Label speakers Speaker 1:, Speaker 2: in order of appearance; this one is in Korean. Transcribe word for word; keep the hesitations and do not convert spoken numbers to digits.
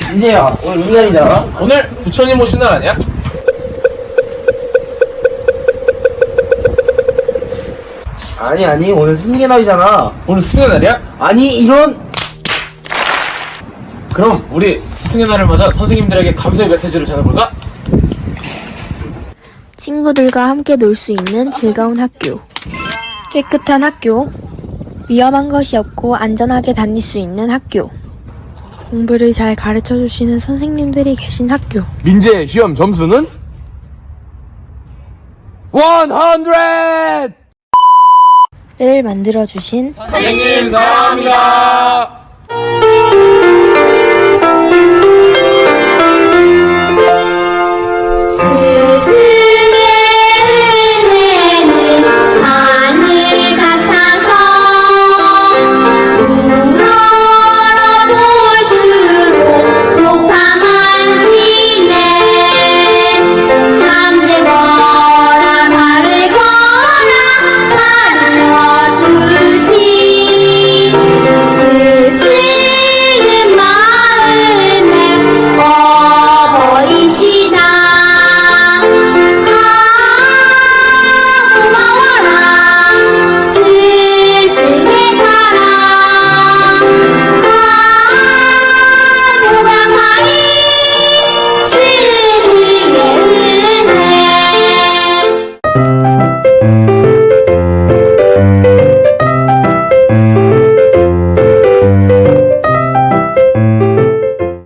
Speaker 1: 민재야, 오늘 무슨 날이잖아?
Speaker 2: 오늘 부처님 오신 날 아니야?
Speaker 1: 아니 아니 오늘 스승의 날이잖아.
Speaker 2: 오늘 스승의 날이야?
Speaker 1: 아니 이런.
Speaker 2: 그럼 우리 스승의 날을 맞아 선생님들에게 감사의 메시지를 전해볼까?
Speaker 3: 친구들과 함께 놀 수 있는 즐거운 학교. 깨끗한 학교. 위험한 것이 없고 안전하게 다닐 수 있는 학교. 공부를 잘 가르쳐 주시는 선생님들이 계신 학교.
Speaker 2: 민재의 시험 점수는? 백!
Speaker 3: 를 만들어 주신
Speaker 2: 선생님 사랑합니다.